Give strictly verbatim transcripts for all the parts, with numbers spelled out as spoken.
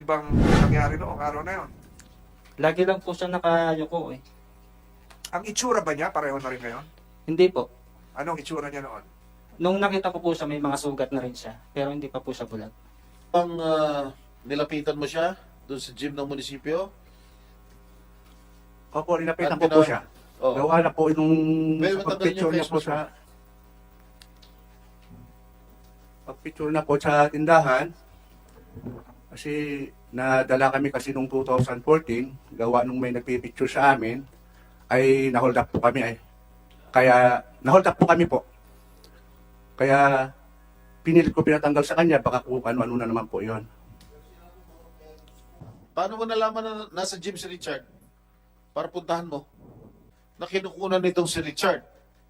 kakaibang nangyari noong araw na yon? Lagi lang po siya nakayuko eh. Ang itsura ba niya pareho na rin ngayon? Hindi po. Anong itsura niya noon? Nung nakita ko po siya, may mga sugat na rin siya. Pero hindi pa po siya bulag. Ang ah, nilapitan mo siya doon sa gym ng munisipyo? Opo, linapitan At ko po pina- siya. Oo. Gawa na po nung Well, sa matanggal pagpicture yung niya face po mask mo. sa pagpicture na po sa tindahan. Kasi nadala kami kasi nung two thousand fourteen, gawa nung may nagpipicture sa amin, ay nahold up po kami ay. Kaya nahold up po kami po. Kaya pinilit ko pinatanggal sa kanya, baka kung ano-ano na naman po yon. Paano mo nalaman na nasa gym si Richard? Para puntahan mo. Na kinukunan nitong si Richard.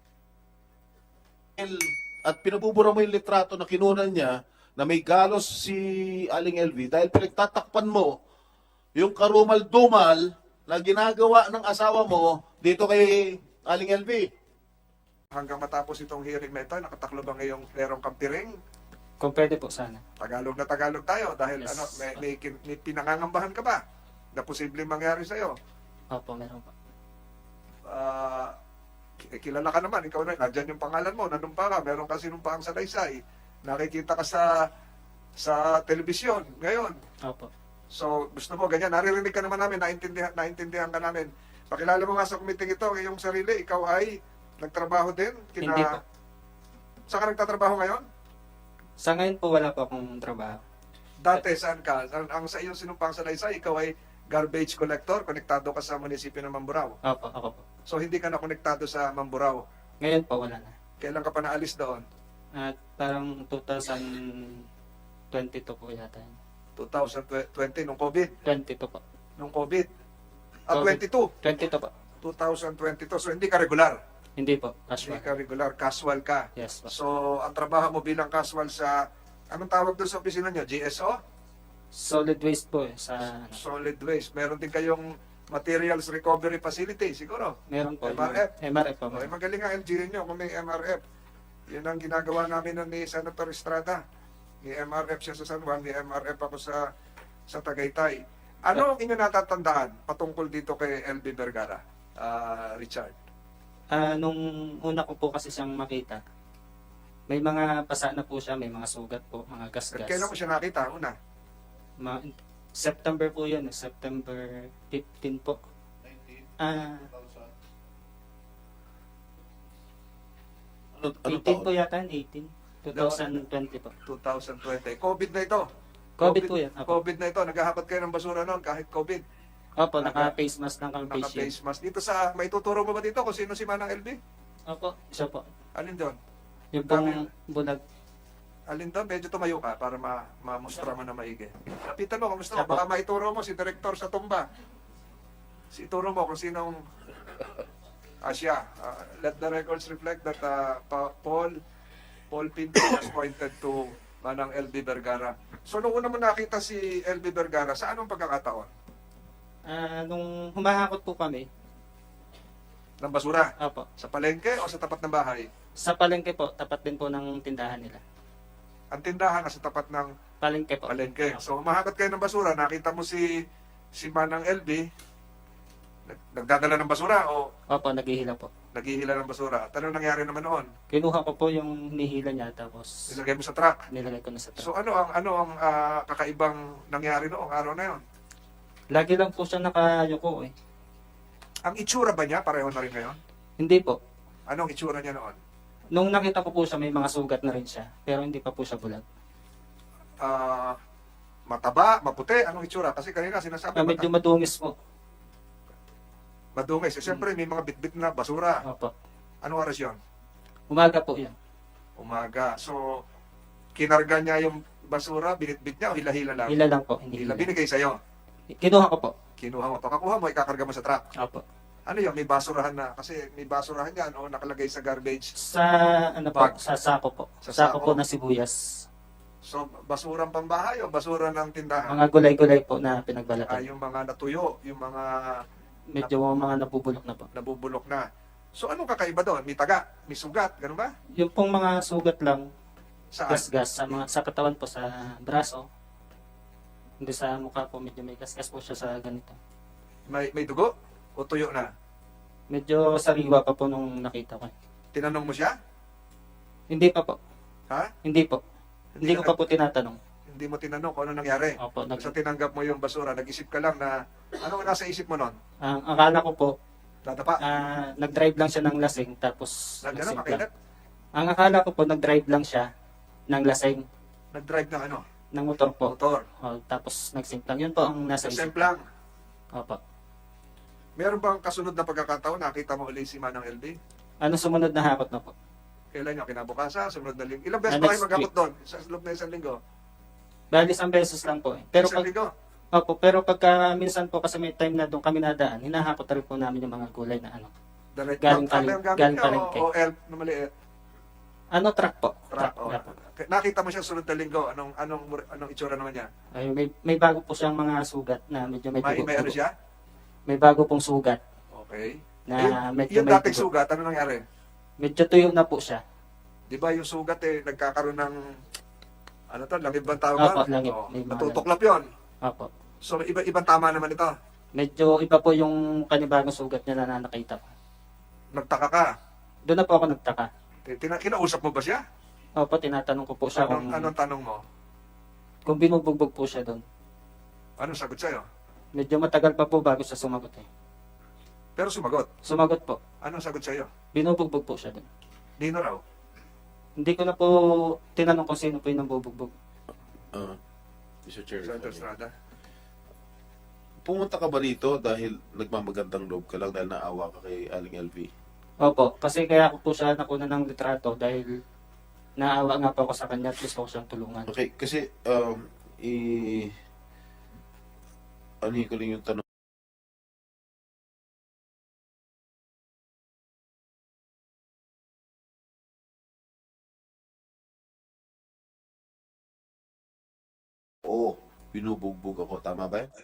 At pinabubura mo yung litrato na kinunan niya na may galos si Aling L V dahil pinagtatakpan mo yung karumal-dumal na ginagawa ng asawa mo dito kay Aling L V. Hanggang matapos itong hearing na ito, nakataklo ba ngayong Lerong Kampiring? Kung pwede po sana. Tagalog na Tagalog tayo dahil Yes. ano, may, may, kin- may pinangangambahan ka ba na posibleng mangyari sa'yo? Opo, meron po. Ah, ki- kilala ka naman, ikaw na, nandyan yung pangalan mo, nandun pa ka, meron ka sinumpaang salaysay, nakikita ka sa sa telebisyon ngayon. Opo. So, gusto mo, ganyan, naririnig ka naman namin, naintindihan, naintindihan ka namin. Pakilala mo nga sa kumiting ito, ngayong sarili, ikaw ay nagtrabaho din? Kina... Hindi po. Saan ka nagtatrabaho ngayon? Sa ngayon po, wala po akong trabaho. Dati, saan ka? Ang, ang sa iyong sinumpang salaysay, ikaw ay garbage collector, konektado ka sa munisipyo ng Mamburao. Opo, ako po. So, hindi ka na konektado sa Mamburao. Ngayon po, wala na. Kailan ka pa naalis doon? At parang two thousand twenty-two po yata. yun. twenty twenty, nung COVID? twenty-two po. Nung COVID? Ah, COVID. twenty-two? twenty-two po. twenty twenty-two. So, hindi ka regular? Hindi po. Hindi Casual. ka regular, casual ka. Yes po. So, ang trabaho mo bilang casual sa, anong tawag doon sa opisina nyo? G S O? Solid waste po eh. Sa, ano, Solid waste. Meron din kayong materials recovery facility, siguro. meron po. M R F. M R F po. Okay, magaling ang L G nyo kung may M R F. Yun ang ginagawa namin nun ni Senator Estrada. May M R F siya sa San Juan, may M R F ako sa sa Tagaytay. Ano ang inyo natatandaan patungkol dito kay L B Vergara, ah, Richard? Ah, nung una ko po kasi siyang makita, may mga pasa na po siya, may mga sugat po, mga gasgas. Kailan mo siya nakita? Una? Ma- September po yun, eh, September fifteen po. Ah, Ano, anong eighteen taon? po yata, eighteen. twenty twenty po. twenty twenty. COVID na ito. COVID po yan. Opo, COVID na ito. Naghahakot kayo ng basura noon kahit COVID. Opo naka-face mask ng kang face shield. Naka-face mask. Dito sa, may tuturo mo ba dito kung sino si Manang L B? Opo, siya po. Alin doon? Yung pong bulag. Alin doon? Medyo tumayo ka para ma mamustra mo na maigi. Kapitan mo, kamusta mo? Siya po. Baka maituro mo si Direktor sa tumba. Si ituro mo kung sinong ah, siya. Ah, let the records reflect that ah, Pa- Paul Paul Pinto was pointed to Manang L B Vergara. So, nung una mo nakita si L B Vergara, sa anong pagkakataon? Ah, nung humahakot po kami, Ng basura? opo, Sa palengke o sa tapat ng bahay? sa palengke po, tapat din po ng tindahan nila. Ang tindahan nasa tapat ng Palengke po. palengke. So, umahakot kayo ng basura, nakita mo si si Manang L B, nag- nagdadala ng basura o Opo, naghihila po. naghihila ng basura. At ano nangyari naman noon? Kinuha ko po yung nihila niya, tapos Nilagay mo sa truck. nilagay ko na sa truck. So, ano ang ano ang ah, kakaibang nangyari noong araw na yon? Lagi lang po siya nakayuko eh. Ang itsura ba niya pareho na rin ngayon? Hindi po. Anong itsura niya noon? Nung nakita ko po siya, may mga sugat na rin siya. Pero hindi pa po siya bulag. Ah, mataba, maputi, anong itsura? Kasi kanina sinasabi Ah, medyo mata- madungis po. madungis. Eh, Siyempre, may mga bitbit na basura. Opo. Anong oras yon? Umaga po yan. Umaga. So, kinarga niya yung basura, binitbit niya o hila-hila lang? Hila lang po. Hindi Hila. hila. Binigay sa'yo. Kinuha ko po. Kinuha mo. Pagkakuha mo, ikakarga mo sa truck. Opo. Ano yun? May basurahan na. Kasi may basurahan yan o nakalagay sa garbage. Sa ano po, Bag. sa sako po. Sa Sa sako sako. po na sibuyas. So, basurang pambahay o basura ng tindahan? Mga gulay-gulay po na Ah, pinagbalatan. yung mga natuyo, yung mga Medyo mga nabubulok na po. nabubulok na. So, anong kakaiba doon? May taga, may sugat, ganun ba? Yung pong mga sugat lang, Saan? gas-gas, sa, mga, sa katawan po, sa braso. Hindi sa mukha po, medyo may kaskas po siya sa ganito. May, may dugo? O tuyo na? Medyo sariwa pa po nung nakita ko. Tinanong mo siya? Hindi pa po. Ha? Hindi po. Hindi ko ka- pa po tinatanong. Hindi mo tinanong kung ano nangyari. Opo, nag, Sa tinanggap mo yung basura, nag-isip ka lang na, ano nasa isip mo nun? ang akala ko po, Tatapa? ah, nag-drive lang siya ng lasing tapos Nag, ano, nagsimpla. makilat? Ang akala ko po, nag-drive lang siya ng lasing Nag-drive ng ano? ng motor po. Motor. Oh, tapos nagsimplang. Yun po ang nasa isip. Semplang. Opo. Meron bang kasunod na pagkakataon, nakita mo ulit si Manang L B? Ano sumunod na hakot na po? Kailan nyo? Kinabukasan? Sumunod na linggo? Ilang beses Ah, ba kayo next magkakot doon? Sa loob na isang linggo? Bali, isang beses lang po eh. Pero isang pag, linggo? opo, pero pagka minsan po kasi may time na doon kami nadaan, hinahakot na rin po namin yung mga gulay na ano. Direct Galing truck paling- ang gamit galing niya palengke. o, o elf na maliit? Ano, truck po? Truck. o. Opo. Nakita mo siya sunod na linggo. Anong, anong, anong itsura naman niya? Ay, may, may bago po siyang mga sugat na medyo may May, dugo. may ano siya? May bago pong sugat Okay. na yung, medyo yung may dating dugo. sugat, ano nangyari? Medyo tuyo na po siya. Di ba yung sugat eh, nagkakaroon ng, ano to, langib bang tawag Opo, ba? langib. Oo, May mga natutuklap yun. Opo. So, iba, ibang tama naman ito. Medyo iba po yung kanibagong sugat niya na nakita ko. Nagtaka ka. Doon na po ako nagtaka. Tina, kinausap mo ba siya? Opo, tinatanong ko po siya Anong, kung, anong tanong mo? kung binubugbog po siya doon. Anong sagot sa'yo? Medyo matagal pa po bago siya sumagot eh. Pero sumagot. Sumagot po. Anong sagot sa'yo? Binubugbog po siya doon. Nino raw. Hindi ko na po tinanong kung sino po yung nambubugbog. Uh, Mister Chair. Senator Estrada. Pumunta ka ba rito dahil nagmamagandang loob ka lang dahil naawa ka kay Aling L V? Opo, kasi kaya ko po siya nakuna ng litrato dahil naawa nga po ako sa kanya at gusto ko siyang tulungan. Okay, kasi um, i... Ano ko lang yung tanong. Oo, binubugbog ako. Tama ba yan?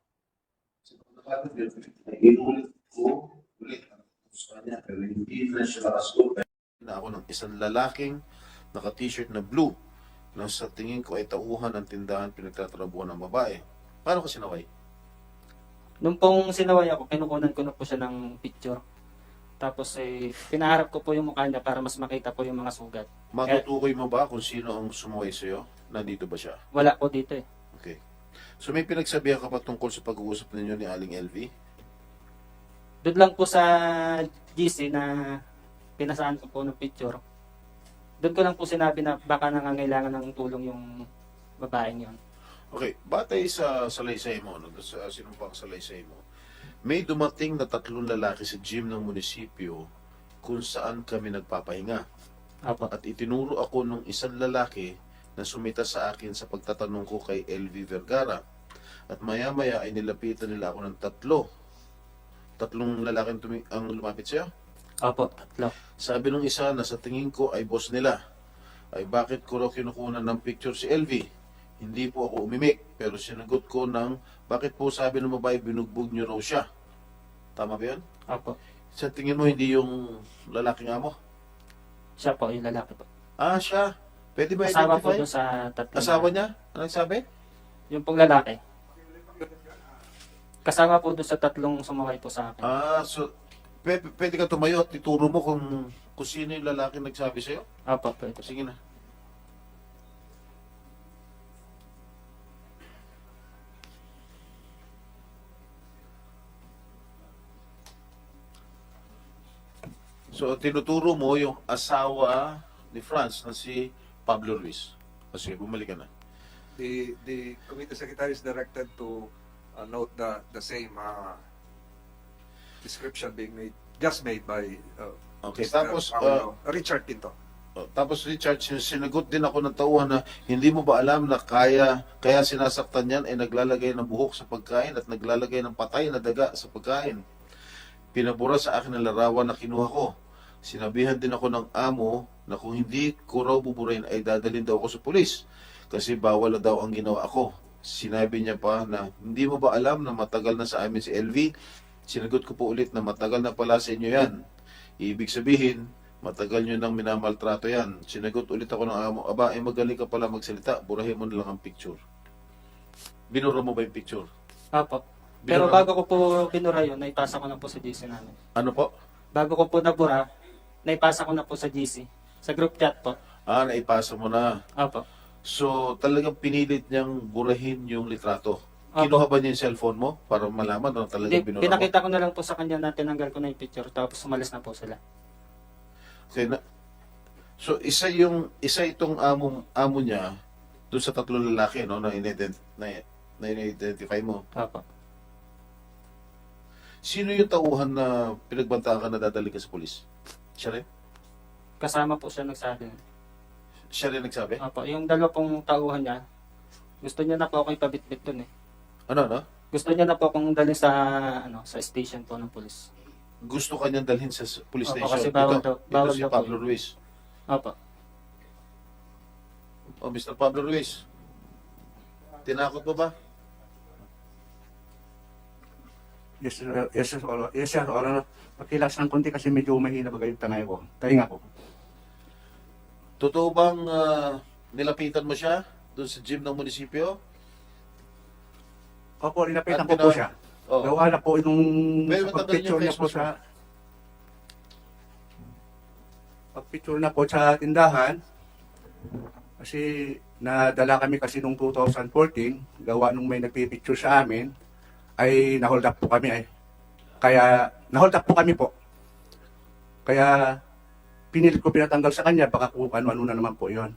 Inulit ko ulit sa kanya pero hindi na siya nakasagot. Na ako ng isang lalaking naka-t-shirt na blue na sa tingin ko ay tauhan ng tindahan pinagtatrabuhan ng babae. Paano ka sinaway? Nung pong sinaway ako, kinukunan ko na po siya ng picture. Tapos eh, pinaharap ko po yung mukha niya para mas makita po yung mga sugat. Matutukoy mo ba kung sino ang sumuway sa'yo? Nandito ba siya? Wala po dito eh. Okay. So may pinagsabihan ka pa tungkol sa pag-uusap ninyo ni Aling L V? Doon lang po sa G C na pinasaan ko po ng picture. Doon ko lang po sinabi na baka nangangailangan ng tulong yung babaeng yon. Okay, batay sa salaysay mo, no, sa sinumpang salaysay mo, may dumating na tatlong lalaki sa gym ng munisipyo kung saan kami nagpapahinga. Opo. At itinuro ako ng isang lalaki na sumita sa akin sa pagtatanong ko kay L V Vergara. At maya-maya ay nilapitan nila ako ng tatlo. Tatlong lalaki ang, tumi- ang lumapit siya. Opo, tatlo. Sabi nung isa na sa tingin ko ay boss nila, ay bakit ko raw kinukunan ng picture si L V? Hindi po ako umimik, pero sinagot ko ng bakit po sabi ng babae binugbog niyo raw siya. Tama ba yun? Opo. Sa tingin mo hindi yung lalaking amo? Siya po, yung lalaki po. Ah, siya. Pwede ba Asawa po identify? doon sa tatlo. na- Asawa niya? Ano sabi? Yung pong lalaki. Kasama po doon sa tatlong sumakay po sa akin. Ah, so pwede, pwede ka tumayo at ituro mo kung, kung sino yung lalaki nagsabi sa'yo? Opo, pwede. Sige na. So, tinuturo mo yung asawa ni Franz na si Pablo Ruiz. Kasi bumalik ka na. The, the committee secretary is directed to uh, note the, the same uh, description being made, just made by uh, Okay, Mister tapos, Paolo- Richard Pinto. Oh, tapos Richard, sin- sinagot din ako ng tauhan na hindi mo ba alam na kaya kaya sinasaktan yan ay naglalagay ng buhok sa pagkain at naglalagay ng patay na daga sa pagkain. Pinabura sa akin ang larawan na kinuha ko. Sinabihan din ako ng amo na kung hindi ko raw buburahin ay dadalhin daw ako sa pulis kasi bawal na daw ang ginawa ko. Sinabi niya pa na hindi mo ba alam na matagal na sa amin si L V? Sinagot ko po ulit na matagal na pala sa inyo yan. Ibig sabihin, matagal nyo nang minamaltrato yan. Sinagot ulit ako ng amo, aba, eh magaling ka pala magsalita, burahin mo na lang ang picture. Binura mo ba yung picture? Opo. Pero Binura- bago ko po binura yun, naipasa ko na po sa G C namin. Ano po? Bago ko po nabura, naipasa ko na po sa G C. Sa group chat po. Ah, naipasa mo na. Opo. So, talagang pinilit niyang burahin yung litrato. Opo. Kinuha ba niya yung cellphone mo para malaman na talagang Hindi, binura mo? pinakita ko na lang po sa kanya na tinanggal ko na yung picture tapos umalis na po sila. So, na, so isa yung isa itong amo amo niya doon sa tatlong lalaki no na inident na, na identify mo. Opo. Sino yung tauhan na pinagbantaan ka na dadali ka sa pulis? Siya rin? Kasama po siya nagsabi. Siya rin nagsabi? Opo, yung dalawa pong tauhan niya, gusto niya na po ako ipabitbit dun eh. Ano, no? Gusto niya na po akong dalhin sa ano sa station po ng pulis. Gusto ka niyang dalhin sa s- police Opo, station. kasi bawal ito, daw- ito bawal si daw po Pablo yun. Ruiz. Opo. Oh, Mister Pablo Ruiz. Tinakot mo ba? Yes, sir. Yes, sir. Or- Yes, sir. Or, ano, pakilas ng konti kasi medyo mahina bagay yung tangay ko. Tahinga ko. Totoo bang ah, nilapitan mo siya doon sa gym ng munisipyo? Opo, At linapitan ko po pina- siya. Oh. Gawa na po itong Well, sa matanggalin pagpicture yung niya po Facebook sa pagpicture na po sa tindahan. Kasi nadala kami kasi nung two thousand fourteen, gawa nung may nagpipicture sa amin, ay nahold up po kami ay. Kaya nahold up po kami po. Kaya pinilit ko pinatanggal sa kanya, baka kung ano-ano na naman po yon.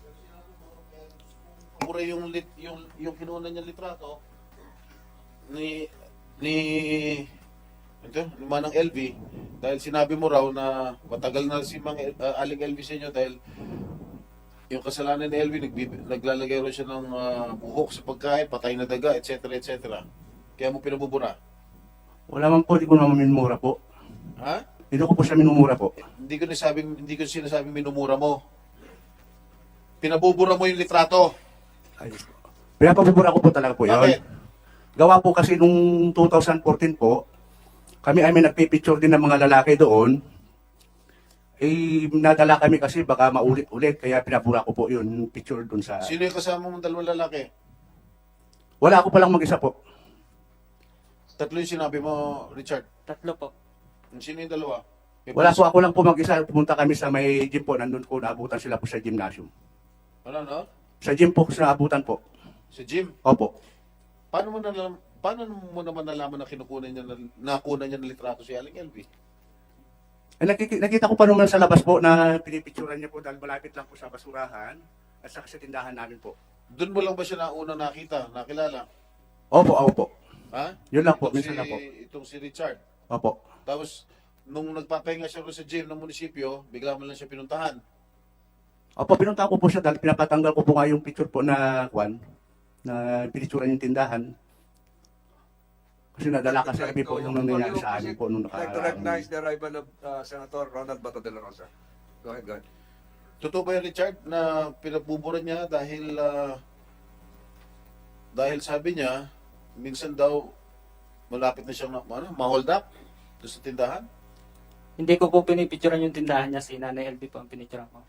Mura yung lit, yung yung kinuha niya litrato ni ni ito, ni Manang L V dahil sinabi mo raw na matagal na si Mang El- ah, Aling L V sa inyo dahil yung kasalanan ni L V nagbib- naglalagay raw siya ng ah, buhok sa pagkain, patay na daga, et cetera et cetera. Kaya mo pinabubura. Wala man po, di ko naman minumura po. Ha? Hindi ko po siya minumura po. Hindi ko nasabing hindi ko sinasabing minumura mo. Pinabubura mo yung litrato. Ay, pinapabubura ko po talaga po Bakit? yun. Gawa po kasi nung two thousand fourteen po, kami ay may nagpipicture din ng mga lalaki doon. Eh, nadala kami kasi baka maulit-ulit, kaya pinabura ko po yun, yung picture doon sa... Sino yung kasama mong dalawang lalaki? Wala ako palang mag-isa po. Tatlo yung sinabi mo, Richard. Tatlo po. Sino yung dalawa? May Wala pulis- po, ako lang po mag-isa. Pumunta kami sa may gym po, nandun ko naabutan sila po sa gymnasium. Ano, no? Sa gym po, sa naabutan po. Si Jim. Opo. Paano mo nalam, paano mo naman nalaman na kinukunan niya na nakunan niya ng litrato si Aling L V? Eh, nakiki- nakita ko pa naman sa labas po na pinipicturan niya po dahil malapit lang po sa basurahan at saka sa tindahan namin po. Doon mo lang ba siya nauna nakita, nakilala? Opo, opo. Ha? Yun lang po, Itong minsan si, lang po. Itong si Richard. Opo. Tapos, nung nagpapahinga siya rin sa gym ng munisipyo, bigla mo lang siya pinuntahan. Opo, pinunta ko po siya dahil pinapatanggal ko po nga yung picture po na kwan, na pinicturan yung tindahan. Kasi nadala kasi kami po yung nangyayari sa amin po nung I'd like to nakaraan. recognize the arrival of uh, Senator Ronald Bato de la Rosa. Go ahead, go ahead. Totoo ba yan, Richard, na pinabubura niya dahil ah, dahil sabi niya, minsan daw malapit na siyang ano, ma-hold up doon sa tindahan? Hindi ko po pinipicturean yung tindahan niya, si Nanay L B po ang pinicturean ko.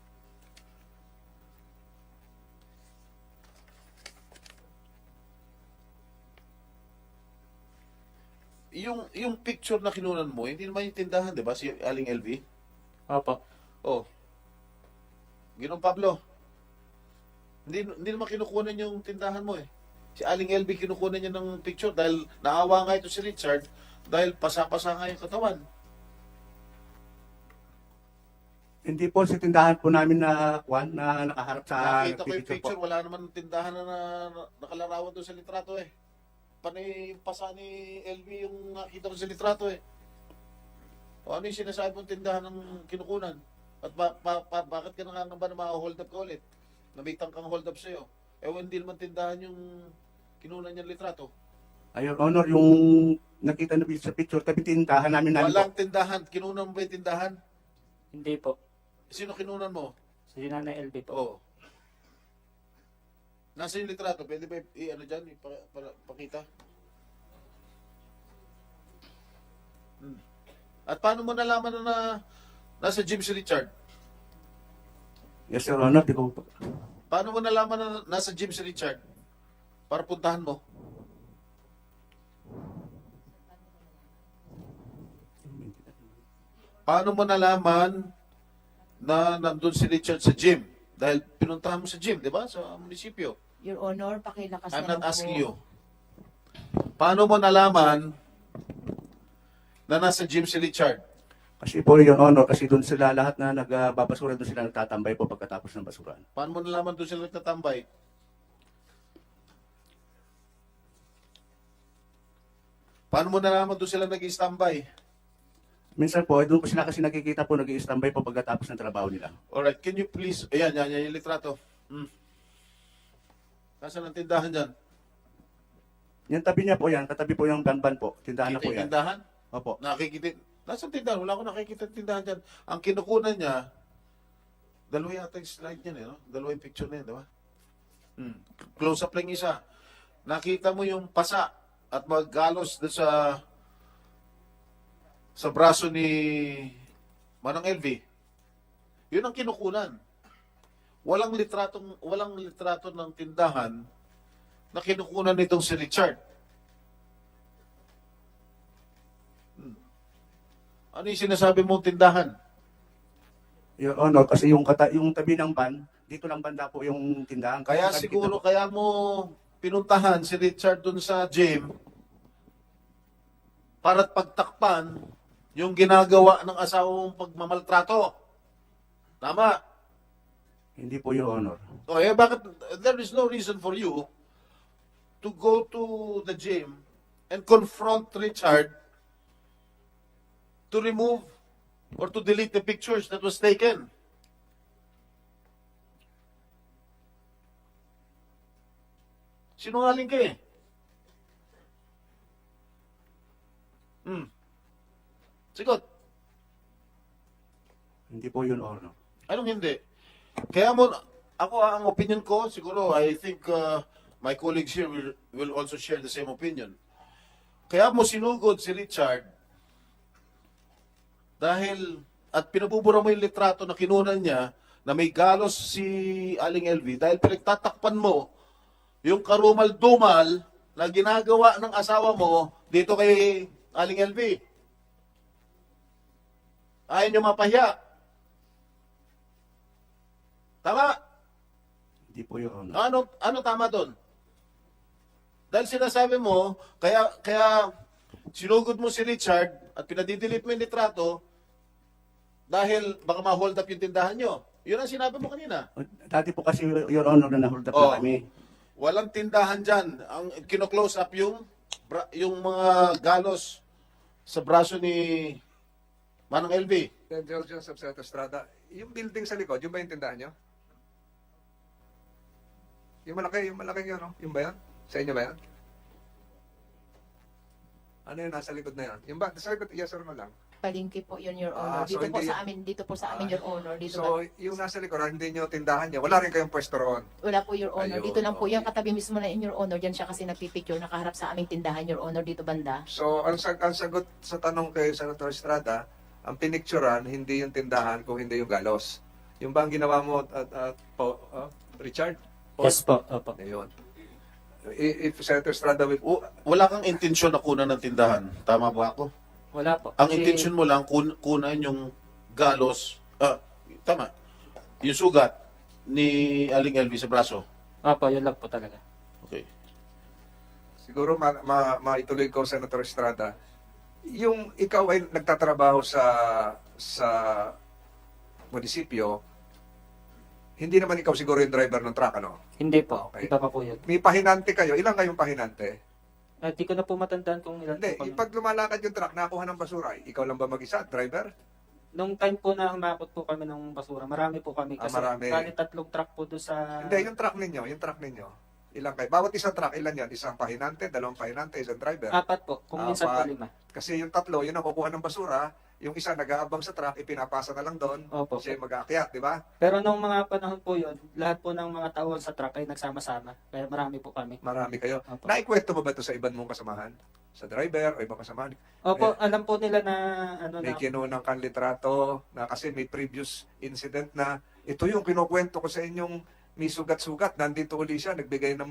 Yung yung picture na kinunan mo, hindi naman yung tindahan, 'di ba? Si Aling L V. Opo. Oh. Ginong Pablo. Hindi hindi naman kinukunan yung tindahan mo eh. Si Aling L V kinukunan niya ng picture dahil naawa nga ito si Richard dahil pasa-pasa nga yung katawan. Hindi po sa tindahan po namin na kwan, na nakaharap sa Nakita ko yung picture picture, po. wala naman tindahan na, na nakalarawan doon sa litrato eh. Panay yung pasa ni L V yung nakita ko sa litrato eh. O ano yung sinasabi mong tindahan ng kinukunan? At ba, ba, ba- bakit ka nangangamba na ma-hold up ka ulit? Nabitang kang hold up sa'yo. Eh hindi naman tindahan yung kinunan niyang litrato. Ayun, Honor, yung nakita na sa picture, tabi tindahan namin namin po. Walang tindahan. Kinunan mo ba yung tindahan? Hindi po. Sino kinunan mo? Si Nanay L B po. Oo. Nasa yung litrato? Pwede ba i- ano dyan? Ipa, para, pakita? Hmm. At paano mo nalaman na, na nasa gym si Richard? Yes, Sir Honor, di ko po. Paano mo nalaman na nasa gym si Richard? para puntahan mo? Paano mo nalaman na nandun si Richard sa gym? Dahil pinuntahan mo sa gym, di ba? Sa munisipyo. Your Honor, pakilakas I'm na not lang asking po. you. Paano mo nalaman na nasa gym si Richard? Kasi po, Your Honor, kasi doon sila lahat na nagbabasura, doon sila nagtatambay po pagkatapos ng basuran. Paano mo nalaman doon sila nagtatambay? Paano mo nalaman doon sila nag-standby? Minsan po, doon po sila kasi nakikita po, nag-i-standby po pagkatapos ng trabaho nila. Alright, can you please, ayan, yan, yan yung litrato. Hmm. Nasaan ang tindahan dyan? Yung tabi niya po yan, katabi po yung banban po. Tindahan na Kita po yung yan. tindahan? Opo. Nakikita, nasaan tindahan? Wala akong nakikita yung tindahan dyan. Ang kinukunan niya, dalawa yata yung slide niya, eh, no? Dalawa yung picture na yun, di ba? Hmm. Close up lang yung isa. Nakita mo yung pasa at maggalos doon sa sa braso ni Manang L V. Yun ang kinukunan. Walang litratong walang litrato ng tindahan na kinukunan nitong si Richard. Hmm. Ano yung sinasabi mong tindahan? Your Honor, kasi yung, kata, yung tabi ng van, dito lang banda po yung tindahan. Kaya Nakikita siguro, po. kaya mo pinuntahan si Richard dun sa gym para't pagtakpan yung ginagawa ng asawa mong pagmamaltrato. Tama? Hindi po, Your Honor. O eh, bakit, there is no reason for you to go to the gym and confront Richard to remove or to delete the pictures that was taken. Sinungaling ka eh. Hmm. Sigot. Hindi po, Your Honor. Anong hindi? Kaya mo, ako ah, ang opinion ko, siguro, I think uh, my colleagues here will, will also share the same opinion. Kaya mo sinugod si Richard dahil, at pinabubura mo yung litrato na kinunan niya na may galos si Aling L V dahil pinagtatakpan mo yung karumal-dumal na ginagawa ng asawa mo dito kay Aling L V. Ayaw niyo mapahiya. Tama? Hindi po, Your Honor. Ano ano tama doon? Dahil sinasabi mo, kaya kaya sinugod mo si Richard at pinadidelete mo yung litrato dahil baka ma-hold up yung tindahan nyo. Yun ang sinabi mo kanina. Dati po kasi, Your Honor, na na-hold up Oh. na kami. Walang tindahan dyan. Ang kino-close up yung bra- yung mga galos sa braso ni Manang L V. Then, George Subseto Estrada, yung building sa likod, yung ba yung tindahan nyo? Yung malaki, yung malaki yun, no? Yung ba yan? Sa inyo ba yan? Ano yun, nasa likod na yan? Yung ba, sa likod, yes or no lang? Palingki po yun, Your Ah, Honor. so dito po hindi- sa amin, dito po sa amin, Ah, Your Honor. Dito So, yung nasa likod, hindi nyo tindahan nyo, wala rin kayong pwesto roon. wala po, Your Honor. Ayun, Dito lang po, okay. yan katabi mismo na in Your Honor. Diyan siya kasi nagpipicture, nakaharap sa aming tindahan, Your Honor, dito banda. So, ang, sag ang sagot sa tanong kay Senator Estrada, ang pinicturan, hindi yung tindahan, kung hindi yung galos. Yung ba ang ginawa mo at, at po, ah, Richard? Paul? Yes po, opo. Ayun. I- If Senator Estrada will... W- wala kang intensyon na kunan ng tindahan. Tama ba ako? Wala po. Ang Kasi- intention mo lang kun kunan yung galos, ah, tama, yung sugat ni Aling L V sa braso. Opo, yun lang po talaga. Okay. Siguro ma, ma, maituloy ko, Senator Estrada, yung ikaw ay nagtatrabaho sa sa munisipyo, hindi naman ikaw siguro yung driver ng truck, ano? Hindi po. Okay. Iba pa po yun. May pahinante kayo. Ilan kayong pahinante? At di ko na po matandaan kung ilan Hindi, po kami. pag lumalakad yung truck, nakuha ng basura, ikaw lang ba mag-isa, driver? Nung time po na humakot po kami ng basura, marami po kami. Ah, Kasi marami. bali tatlong truck po doon sa... Hindi, yung truck ninyo, yung truck ninyo. Ilan kayo? Bawat isang truck, ilan yan? Isang pahinante, dalawang pahinante, isang driver. Apat po. Kung minsan po Apat. lima. Kasi yung tatlo, yun ang kukuha ng basura, yung isa nag-aabang sa truck, ipinapasa na lang doon, Opo. siya yung mag-aakyat, di ba? Pero nung mga panahon po yun, lahat po ng mga tao sa truck ay nagsama-sama. Kaya marami po kami. Marami kayo. Opo. Naikwento mo ba ito sa ibang mong kasamahan? Sa driver o ibang kasamahan? Opo, alam po nila na ano May na... kinunang kang litrato na kasi may previous incident na ito yung kinukwento ko sa inyong may sugat-sugat. Nandito uli siya, nagbigay ng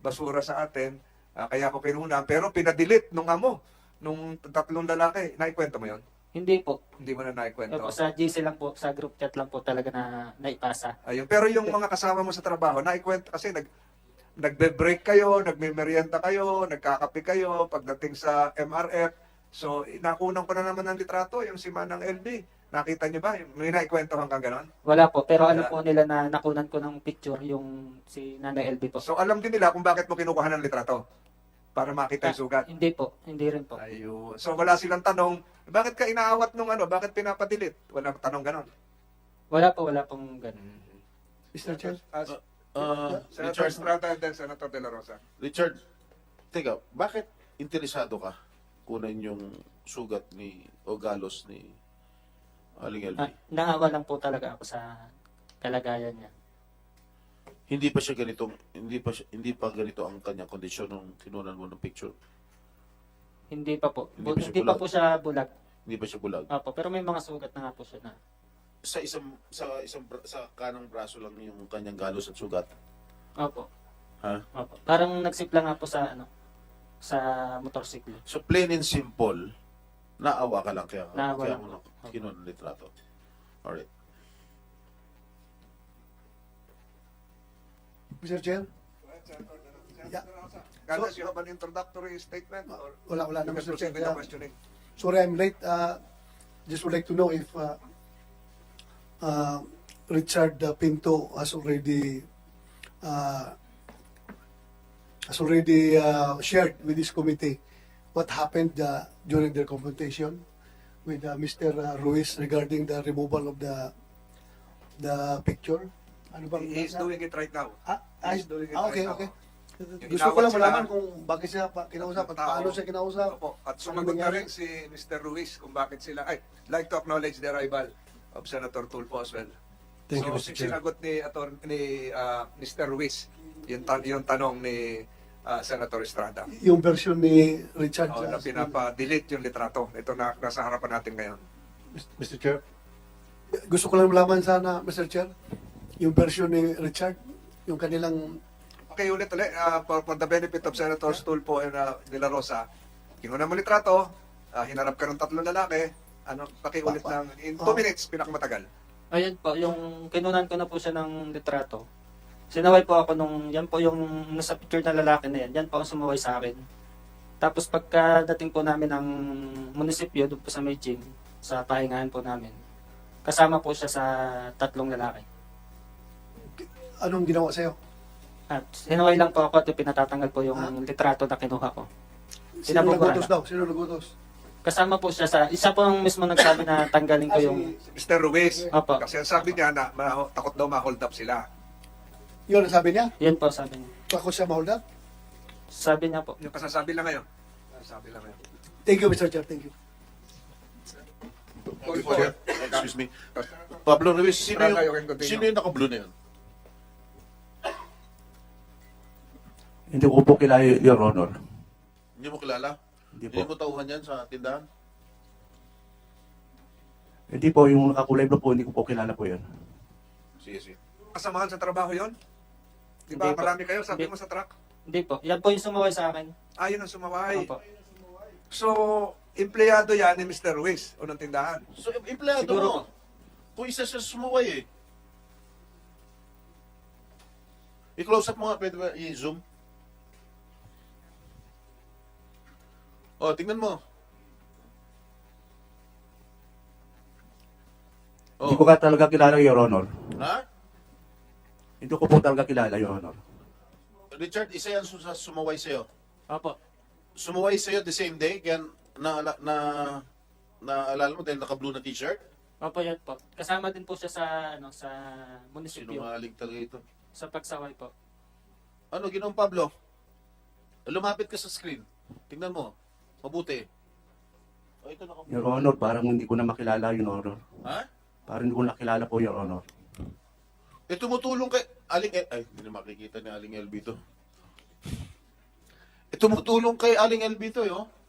basura sa atin, ah, kaya ako kinunan. Pero pinadelete nung amo, nung tatlong lalaki. Naikwento mo yon? Hindi po. Hindi mo na naikwento. Opo, sa G C lang po, sa group chat lang po talaga na naipasa. Ayun. Pero yung mga kasama mo sa trabaho, naikwento kasi nag nagbe-break kayo, nagme-merienda kayo, nagkakape kayo pagdating sa M R F. So, nakunan ko na naman ng litrato, yung si Manang L B. Nakita niyo ba? May naikwento hanggang ganon? Wala po, pero alam Wala. po nila na nakunan ko ng picture yung si Nanay L B po. So, alam din nila kung bakit mo kinukuha ng litrato. Para makita yung sugat. Hindi po, hindi rin po. Ayun. So, wala silang tanong, bakit ka inaawat nung ano? Bakit pinapadilit? Walang tanong ganon. Wala po, wala pong ganun. Mister Chair, Uh, Uh, Senator Richard, Estrada and then Senator De La Rosa. Richard, teka, bakit interesado ka kunan yung sugat ni o galos ni Aling L B? Ah, naawa lang po talaga ako sa kalagayan niya. Hindi pa siya ganitong hindi pa siya, hindi pa ganito ang kanyang kondisyon nung kinunan mo ng picture. Hindi pa po. Hindi Bu- pa siya Hindi pa bulag. po siya bulag. Hindi pa siya bulag. Opo, pero may mga sugat na nga po siya na. Sa isang sa isang bra- sa kanang braso lang yung kanyang galos at sugat. Opo. Ha? Opo. Parang nagsipla nga po sa ano sa motorsiklo. So plain and simple, naawa ka lang kaya Naawa kaya lang mo po. na kinunan ng litrato. Alright. Mister Chair, Yeah. Unless you have an introductory statement or wala, wala you na, can Mister proceed Chair. with the Yeah. questioning. Sorry I'm late. Uh, just would like to know if uh, uh, Richard uh, Pinto has already uh, has already uh, shared with this committee what happened uh, during their confrontation with uh, Mister Ruiz regarding the removal of the the picture. Ano bang He is doing it right now. Ah, ah, He's doing it ah, okay, right now. okay. Yung Gusto ko lang inawat sila, malaman kung bakit siya pa, kinausap at Tao. paano siya kinausap. Opo. At Ano sumagot na nangyari? rin si Mister Ruiz kung bakit sila, ay, like to acknowledge the arrival of Senator Tulfo as well. Thank you, so, Mister Chair. sinagot ni, ator, ni uh, Mister Ruiz yung, tan- yung tanong ni uh, Senator Estrada. Yung version ni Richard. Oh, na uh, pinapa-delete yung litrato. Ito na nasa harapan natin ngayon. Mister Chair. Gusto ko lang malaman sana, Mister Chair, yung version ni Richard, yung kanilang Okay, ulit ulit. Uh, for, for the benefit of Senators Tulfo and uh, De La Rosa, kinuha mo litrato, uh, hinarap ka ng tatlong lalaki, ano, pakiulit Pa- pa- ng, in two oh. minutes, pinakamatagal. Ayun po, yung kinunan ko na po siya ng litrato. Sinaway po ako nung, yan po yung nasa picture na lalaki na yan, yan po ang sumaway sa akin. Tapos pagkadating po namin ng munisipyo, doon po sa may gym, sa pahingahan po namin, kasama po siya sa tatlong lalaki. anong ginawa sa'yo? At sinaway lang po ako at pinatatanggal po yung Ah. litrato na kinuha ko. Sino Pinabubura nagutos lang. daw? Sino nagutos? Kasama po siya sa, isa po ang mismo nagsabi na tanggalin ko Ah, yung, si- Mister Ruiz, Opo. kasi ang sabi niya na ma- takot daw ma-hold up sila. Yun ang sabi niya? yun po sabi niya. Ako siya ma-hold up? Sabi niya po. Yung kasasabi lang ngayon. Kasasabi lang ngayon. Thank you, Mister Chair. Thank you. Tulfo, Excuse me. Pablo Ruiz, sino Estrada, you yung, can continue. sino yung naka-blue na yun? Hindi ko po kilala, Your Honor. Hindi mo kilala? Hindi Hindi po. mo tauhan yan sa tindahan? Hindi po, yung nakakulay blue po, hindi ko po kilala po yan. Sige, sige. kasamahan sa trabaho yon? Di ba Hindi po. marami kayo, sabi Hindi. mo sa truck? Hindi po. Yan po yung sumaway sa akin. Ah, yun ang sumaway. Opo. So, empleyado yan ni Mister Ruiz, unang tindahan. So, em- empleyado Siguro mo. po. Kung isa siya sumuway eh. I-close up mo nga, pwede ba i-zoom? Oh, tingnan mo. Hindi Oh. ko ka talaga kilala, Your Honor. Ha? Hindi ko po talaga kilala, Your Honor. Richard, isa yan su- sa sumuway sa'yo. Opo. Sumuway sa'yo the same day, kaya na, na, na, naalala mo dahil naka-blue na t-shirt? Opo, yan po. Kasama din po siya sa, ano, sa munisipyo. Sinungaling talaga ito. Sa pagsaway po. Ano, Ginoong Pablo? Lumapit ka sa screen. Tingnan mo. Mabuti. Oh, ito naka Your Honor, parang hindi ko na makilala, Your Honor. Ha? Parang hindi ko nakilala po, Your Honor. Eh, tumutulong kay Aling El... Ay, hindi na makikita ni Aling L B to. Eh, tumutulong kay Aling L B to, eh, oh.